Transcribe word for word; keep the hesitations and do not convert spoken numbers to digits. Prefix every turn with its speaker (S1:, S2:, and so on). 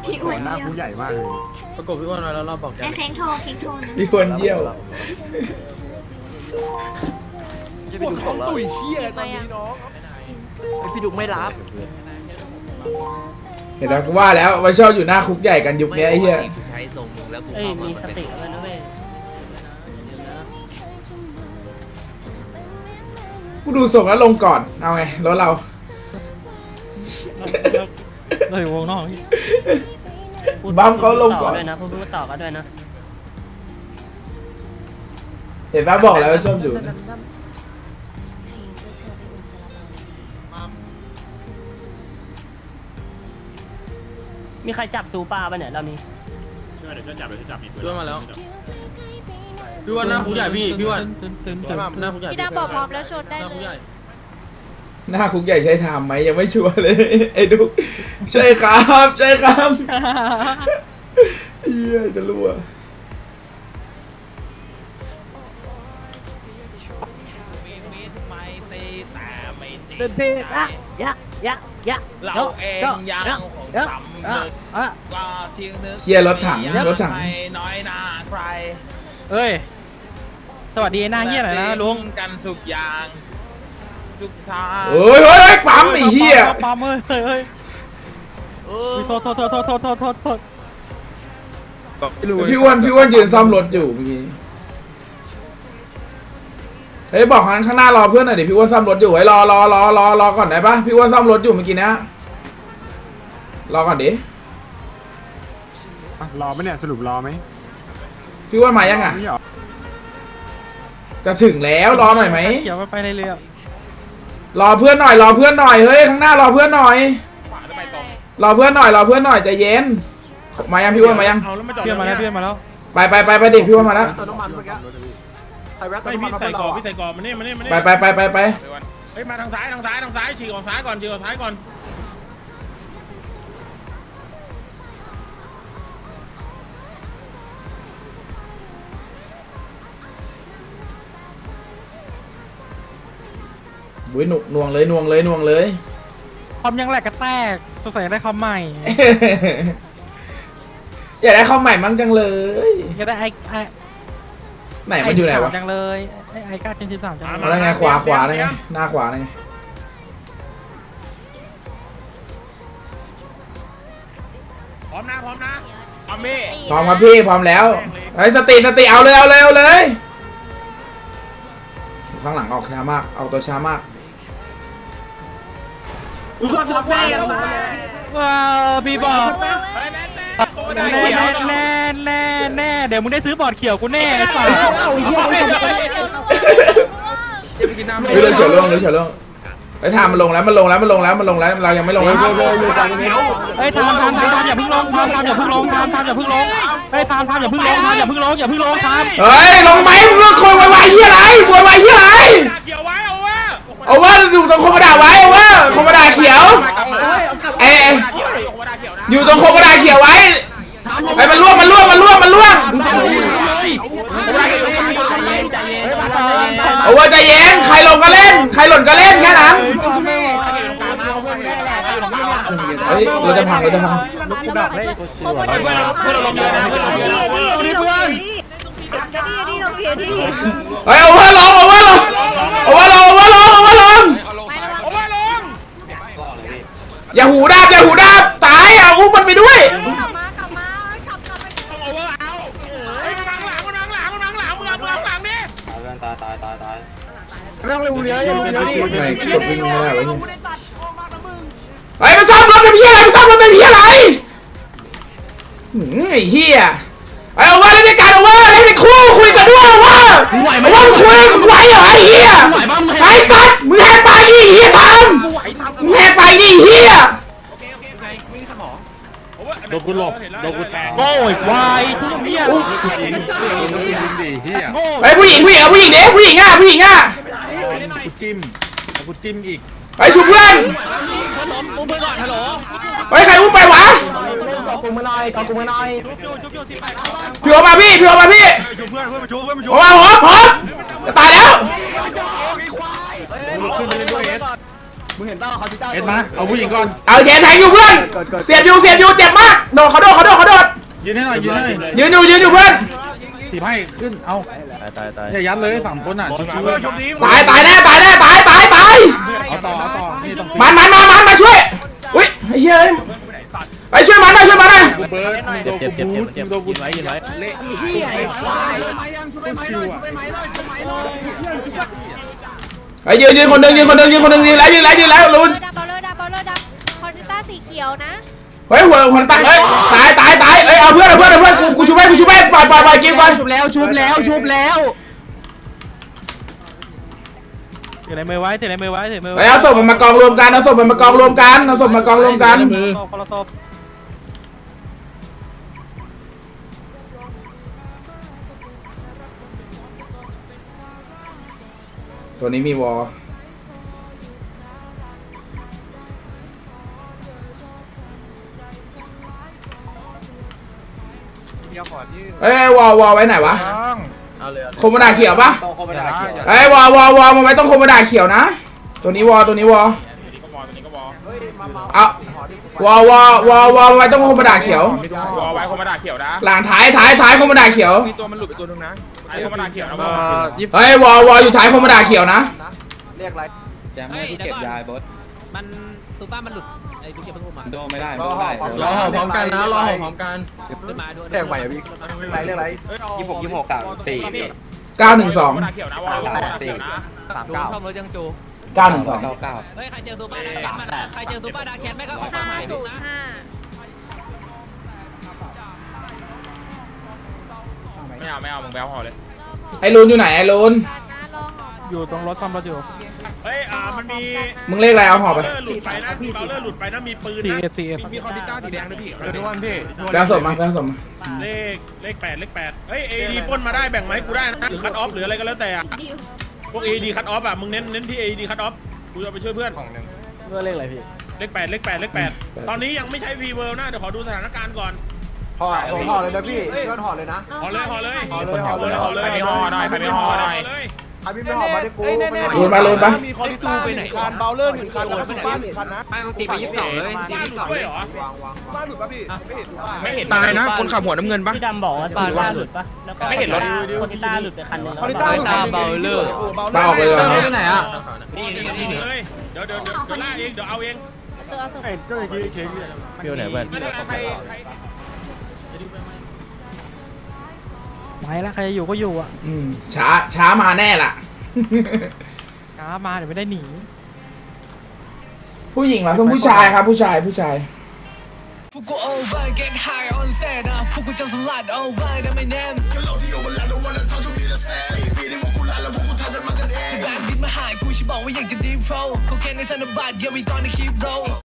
S1: พี่อ้วน
S2: หน้าผู้ใหญ่มากเลย
S3: ประกบพี่อ้วนมาแล้วเราบอกแก
S1: ไอ้เค้งโทรเค้งโทรนะ
S4: พี่ควรเยี่ยว
S5: ปวดท้องตุ๋ยเชี่ยตอนนี้น้องพี่ดุกไม่รับ
S4: เห็นแล้วกูว่าแล้วมันชอบอยู่หน้าคุกใหญ่กันยุคนี้ไอ้เหี้ย
S6: ใช้ทรงมึงแล้วกู
S3: เอ้ย
S6: เข้ามา
S3: มีสติเลยนะเว้ย
S4: กูดูส่งแล้วลงก่อนเอาไงรถเรา
S3: เราอยู่วงนอกพี่
S4: บัมเขาลงก่อน
S3: ด้วยนะพูดต่อกันด้วยนะ
S4: เห็นปะบอกแล้วว่าชอบอยู่นะ
S3: มีใครจับซูปลาป่ะเนี่ยเรานี้
S2: เดี๋ยวจะจับเดี๋ยวจะจับมีปืน
S3: พี่อ้วนมาแล้วพี่อ้วนหน้าคุกใหญ่พี่พี่อ้วนหน้าคุกใหญ่
S1: พี่ดาบอกพร้อมแล้วชนได้
S3: หน้า
S1: เล
S3: คุกใหญ่
S1: ย
S4: หน้าคุกใหญ่ใช้ทำไหมยังไม่ชัวร์เลยไอ้ดุกใช่ครับใช่ครับเหี้ยจะรู้อะ
S5: เดินเพลอะยะยะยะ
S6: เราเองยังของสำนึกก็ทิ้งนึก
S4: เคลียร์รถถังรถถัง
S6: ไม่น้อยหน้าใคร
S3: เอ้ยสวัสดีหน้าเหี้ยหน่อยนะลุง
S6: กันทุกอย่างทุกทาง
S4: เฮ้ยเฮ้ยปั๊มไอ้เหี้ย
S3: ปั๊มเอ้ยเอ้ยโทษโทษโทษโทษโทษโทษโทษโทษ
S4: พี่อ้วนพี่อ้วนยืนซ่อมรถอยู่เมื่อกี้เฮ้ยบอกข้างหน้ารอเพื่อนหน่อยดิพี่อ้วนซ่อมรถอยู่ไว้รอรอรอรอรอก่อนได้ปะพี่อ้วนซ่อมรถอยู่เมื่อกี้นะรอก่อนดิ
S2: รอไหมเนี่ยสรุปรอไหม
S4: พี่อ้วนมายังอ่ะ
S2: ไม่หรอ
S4: จะถึงแล้วรอหน่อยไหม
S3: เขียวไปในเรือ
S4: รอเพื่อนหน่อยรอเพื่อนหน่อยเฮ้ยข้างหน้ารอเพื่อนหน่อยรอเพื่อนหน่อยรอเพื่อนหน่อยใจเย็นมายังพี่อ้วนมายัง
S3: เพื่อนมาแล้วเพื่อนมาแล้ว
S4: ไปไปไปไปดิพี่อ้วนมาแล้ว
S5: เติมน้ำมันเมื่อกี้ใครแวะเติ
S2: ไม่
S5: มน้ำมัน
S2: พี่
S5: มา
S2: ใส่
S5: เพื่อนเรา
S2: กรอบพี่ใส่กรอบมาเนี่ยมาเนี่ยมาเนี่ย
S4: ไปไปไปไปไป
S2: เฮ้ยมาทางซ้ายทางซ้ายทางซ้ายฉีกออกซ้ายก่อนฉีกออกซ้ายก่อน
S4: บุ้ยหนุกน่วงเลยน่วงเลยน่วงเลย
S3: คอมยังแหลกกระแตกสงสัยได้คอมใหม่
S4: อยากได้ข้าวใหม่มั้งจังเลย
S3: ก็ได้ไอ้ไอ้
S4: ไหนมันอยู่ไหนวะ
S3: จังเลยไอ้ไอ้ก้าเจนสิบสามจัง
S4: อะไรไงขวาขวาไงหน้าขวาไง
S2: พร้อมนะพร้อมนะพร้อมพี่
S4: พร้อมครับพี่พร้อมแล้วไอ้สติสติเอาเลยเอาเลยเอาเลยข้างหลังออกช้ามากเอาตัวช้ามาก
S5: อุ้ยทำแม่กันมา
S3: ว้าวพี่บอก
S2: แน่
S3: แน่แน่แน่แน่เดี๋ยวมึงได้ซื้อบอร์ดเขียวกูแน่ไอ้สัส
S4: เรื่องเฉียวล่วงเรื่องเฉียวล่วงไอ้ทามมันลงแล้วมันลงแล้วมันลงแล้วมันลงแล้วเรายังไม่ลงนะ
S3: เฮ้ยทามทามทามทามอย่าเพิ่งลงทามทามอย่าเพิ่งลงทามทามอย่าเพิ่งลงเฮ้ยทามทามอย่าเพิ่งลงทามอย่าเพิ่งลงอย่าเพิ่งลงทาม
S4: เฮ้ยลงไหมมึงเลือกคนวายๆยี่อะไรวายๆยี่อะไร
S2: เขียวไว้เอาว่า
S4: เอาว่าอยู่ตรงโคมดาไว้เอาว่าโคมดาเขียวไอ้อยู่ตรงโคมดาเขียวไว้ไอ้มันล่วงมันล่วงมันล่วงมันล่วงเอาว่าใจเย็นใครลงก็เล่นใครหล่นก็เล่นแค่นั้นเฮ้ยเราจะพังเราจะพัง
S3: ลูกกูดับเลยกูชิว
S6: เพื่อนเราเพื่อนเราลงเยอะนะเพื่อนเราเยอะนะ
S1: นี่เพื่อนนี่ลงเพียที่
S4: เฮ้ยเอาว่าลงเอาว่าลงเอาว่าลงเอาว่าลงเอาว่าลง
S2: เอาว่าลง
S4: อย่าหูดับอย่าหูดับตายอ่ะอุ้มมันไปด้วย
S1: กลับมากลับมากลับกลับไป
S2: เอาว่าเอาเฮ้ยนั่งหลังนั่งหลังนั่งหลังมึงเอามึงเอาหลังดิ
S5: ไม่ต้องเร็วเยอะเร็วเยอะดิ
S4: ไม่กดวิ่งไม่ได้วะเนี่ยไอ้มันซ่อมรถเป็นเพี้ยอะไรมันซ่อมรถเป็นเพี้ยอะไรหืมไอ้เหี้ยไอ้เอาว่าเล่นในการเอาว่าเล่นในคู่คุยกันด้วยเอาว่าเอาว่าคุยกันไหวเหรอไอ้เหี้ยไอ้สัตว์มึงแหกปากดิเหี้ยทำมึงแหกปากดิเหี้ย
S2: โดนกูหลบโดนกูแทง
S3: โง่อีกวายทุกเหี้ย
S4: ไอ้ผู้หญิงผู้หญิงเอาผู้หญิงเด็กผู้หญิงอ่ะผู้หญิงอ่ะ
S2: กูจิ้มกูจิ้มอีก
S4: ไปชุบเพื่อน
S6: มึงเพื่อนก่อนฮัลโหล
S4: ไปใครอุ้มไปวะ
S5: กอกูมาหน่อยกอกูมาหน่อย
S4: พี่โอมาพี่พี่โอมาพี่
S2: ชูเพื่อนเพื่อนมาชูเพื่อนมาชู
S4: โอมาหัวพร้อมจะตายแล้ว
S5: มึงเห็นป่าวเขาที่เจ้า
S2: เอ็ดมาเอาผู้หญิงก่อน
S4: เอาแขนแทงอยู่เพื่อนเสียบอยู่เสียบอยู่เจ็บมากโดดดเขาโดดเขาโดดเขาโดด
S3: ยืนให้หน่อยยืนให้
S4: ยืนอยู่ยืนอยู่เพื่อน
S3: ถีบให้ขึ้นเอา
S5: ตายตายตาย
S3: อย่ายัดเลยสามคนอ่ะชิว
S4: ตายตายแน่ตายแน่ตายตายตาย
S3: ๆเอาต่อเอาต่อนี่ต้อง
S4: มันมันมามันมาช่วยอุ้ยไอ้เหี้ยไอ้ช่วยมันหน่อยช่วยมันหน่อย
S3: เบิร์ดโด
S5: เจ็บ
S3: น
S5: เจ็บ
S3: กู
S5: เจ็บ
S3: บู
S5: เจ็บ
S3: ทโดนกู
S5: ยินไว้ยินไว้
S3: เละ
S4: ไอ้ยืนยืนคนหนึ่งยืนคนหนึ่งยืนคนหนึ่งยืนแล้วยืนแล้วยืนแล้วลุน
S1: ดับเบลเลอร์ดับเบลเลอร์ดับคอนติต้าสีเขียวนะ
S4: เฮ้ยหัวหัวตั้งเอ้ยตายตายตายเอ้ยเอาเพื่อนเอาเพื่อนเอาเพื่อนกูกูชูไปกูชูไปปล่อยปล่อยปล่อยกินก่อน
S3: ชุบแล้วชุบแล้วชุบแล้วถือในมือไว้ถือในมือไว้ถือมือ
S4: เอ้ยเอาศพมันมากองรวมกันเอาศพมันมากองรวมกันเอาศพมากองรวมกัน
S3: คนละศพ
S4: ตัวนี้มีวอลเอ้ยวอลวอลไว้ไหนวะ
S6: เอาเลย
S4: โคมดาเขียวปะ
S6: ต้องเข้าไปได้เขียว
S4: เอ้ยวอลวอลวอลมันไว้ต้องโคมดาเขียวนะตัวนี้วอลตัวนี้วอล
S6: ตัวนี้ก็บอลตัวนี้ก็บอล
S4: เอาวอลวอลวอลวอลมันไว้ต้องโคมดาเขียว
S6: บอลไว้คอมมาดาเขียวนะ
S4: หลังท้ายท้ายท้ายโคมดาเขียว
S6: มีตัวมันหลุดไปตัวนึงนะไอ้คอมมาดาเขียวนะบอล
S4: เฮ้ยวอลวอลอยู่ท้ายโคมดาเขียวนะ
S5: เรียกอะไร
S7: แจมไม่เก็บยายบด
S8: มันซูเปอร์มันหลุดไอ้ดูเก็บเพิ่งอุ้มมา
S7: โดไม่ได้โดไม่ได้
S3: รอพร้อมกันนะรอพร้อมกัน
S8: ขึ้นมาด้วย
S5: เรียกใหม่อะพี่อะไรเรียกอะไร
S7: ยี่หกยี่หกสามสี่
S4: เก้าหนึ่งสอง
S6: คอมมาดาเขียวนะบอลคอมมาดาเขียวนะ
S5: สาม
S8: ดู
S5: เก้า
S8: เข้ารถยังจู
S4: เก้าหนึ่งสอง
S7: เก้าเก้า
S8: เฮ้ยใครเจอซูเปอร์ดักแชทมานะใครเจอซูเปอร์ดักแชทไม่ก็ออกมา
S1: ห้า
S8: ใหม่
S1: ศู
S8: ดู
S1: นย์
S8: นะ
S1: ห้า
S6: ไม่เอาไม่เอามึงแบลพอเลย
S4: ไอ้ลูนอยู่ไหนไอ้ลูน
S1: การนะรอหอ
S3: อยู่ตรงรถซ่อมรถอยู่
S2: เฮ้ยอ่ามันมี
S4: มึงเลขอะไรเอาหอบไป
S2: เบลเลอร์หลุดไปนะเบลเลอร์หลุดไปนะมีปืน
S3: ซี
S2: นะ
S3: เอสซีเอส
S2: มีคอนติต้าสีแดงด้วยพี่
S5: เออทุกวันพี่
S4: แปลสดมาแปลสดมา
S2: เลขเลขแปดเลขแปดเฮ้ยเอดีปล้นมาได้แบ่งไหมาให้กูได้นะหรือคัตออฟหรืออะไรก็แล้วแต่อะ
S1: ดิว
S2: พวกเอดีคัตออฟอะมึงเน้นเน้นที่เอดีคัตออฟกูจะไปช่วยเพื่อน
S5: เมื่อเรียกอะไรพี่
S2: เลขแปดเลขแปดเลขแปดตอนนี้ยังไม่ใช้ฟีเวิร์นะเดี๋ยวขอดูสถานการณ์ก่อน
S5: ห่อห่อเลยนะพี่ยอดห่อเลยนะ
S2: ห่อเลยห่อเลย
S5: ห่อเลยห่อ
S2: ห่อ
S5: เล
S2: เลย ยห่อเลย
S6: ใครไม่ห่อหน่อยใครไม่ห่อหน่อย
S2: เลย
S5: ใครพี่ไม่ห่อมาได้กู
S4: ลูนมาลูนปะ
S5: มีคอร์ดิต้าหนึ่งคันเบลเลอร์หนึ่งคันแล้วก็ซูเปอร์หนึ่งคันนะ
S8: ไม่ต้องตีไปยี่สิบสองเลยตี
S2: บ้าน
S8: ยี่
S2: ห
S8: สิบสอง
S2: ลุดด้วยเหรอ
S5: วางวางบ้านหลุดป่ะพี่ไม่เห็นถูกป่ะ
S6: ไม่เห็น
S7: ตายนะคนขับหัวน้ำเงินปะ
S9: พี่ดำบอกว่าซูต้าหลุดปะแล้วก็
S6: ไม่เห็นรถ
S9: โคติต้าหลุดไปคันหนึง
S5: คอร์ดิต้าหลุดเบลเลอร์
S4: ปาออกเลยเหรอ
S3: ไปไหนอ่ะ
S6: นี่นี่นี่
S2: เลยเดี๋ยวเดี๋ยวเดี๋ยวเดี๋ยวล่าเองเดี๋ยวเอาเอง
S1: เจอเอาศพ
S5: ก็อย่างนี้เค้กเนี่ย
S7: เที่ยวไหนเพื่อน
S6: ใครใคร
S3: ไปแล้วใครจะอยู่ก็อยู่อ่ะ
S4: อืมช้าช้ามาแน่ล่ะ
S3: ช้ามาเดี๋ยวไม่ได้หนี
S4: ผู้หญิงเหรอต้องผู้ชายครับผู้ชายผู้ชาย
S10: พวกกู over get high on set นะพวกกูจะสลัด over ได้ไม่แน่แบบดินมาหายกูฉันบอกว่าอยากจะ deep flow เขาแค่ในธนบัตร yeah we gonna keep roll